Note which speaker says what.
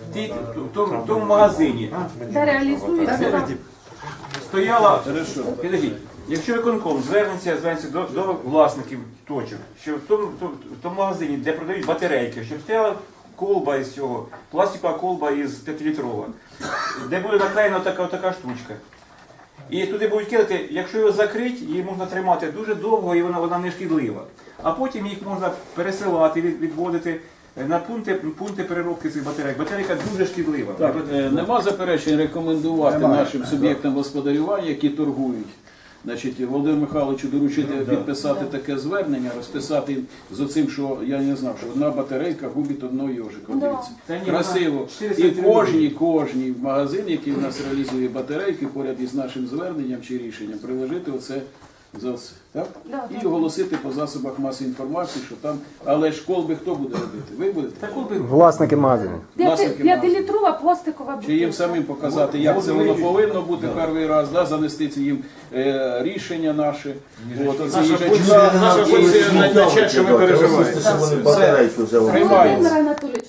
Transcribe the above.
Speaker 1: в тому магазині
Speaker 2: Де реалізується.
Speaker 1: стояла, підождіть, якщо виконком звернеться до власників точок, що в тому магазині, де продають батарейки, щоб стояла колба із цього, пластикова колба із 5-літрова, де буде наклеєна така штучка. І туди будуть кидати, якщо його закрити, її можна тримати дуже довго і вона не шкідлива. А потім їх можна пересилати, відводити на пункти переробки цих батарейок. Батарейка дуже шкідлива.
Speaker 3: Так, нема заперечень рекомендувати нашим суб'єктам господарювання, які торгують. Значить, Володимиру Михайловичу доручити підписати таке звернення, розписати з оцим, що я не знав, що одна батарейка губить одного йожика. Дивіться. Красиво. І кожній магазин, який у нас реалізує батарейки, поряд із нашим зверненням чи рішенням, приложити оце за це. Так? І оголосити по засобах масової інформації, що там, але ж колби хто буде робити? Ви будете?
Speaker 4: Власники магазину.
Speaker 2: 5-літрова пластикова
Speaker 3: Чи їм
Speaker 2: бутилка.
Speaker 3: самим показати, як це воно повинно бути перший раз, занести це їм рішення наше.
Speaker 1: Наша позиція найчастіше ми переживаємо.
Speaker 3: Приймається.
Speaker 2: Володимир Анатолійович,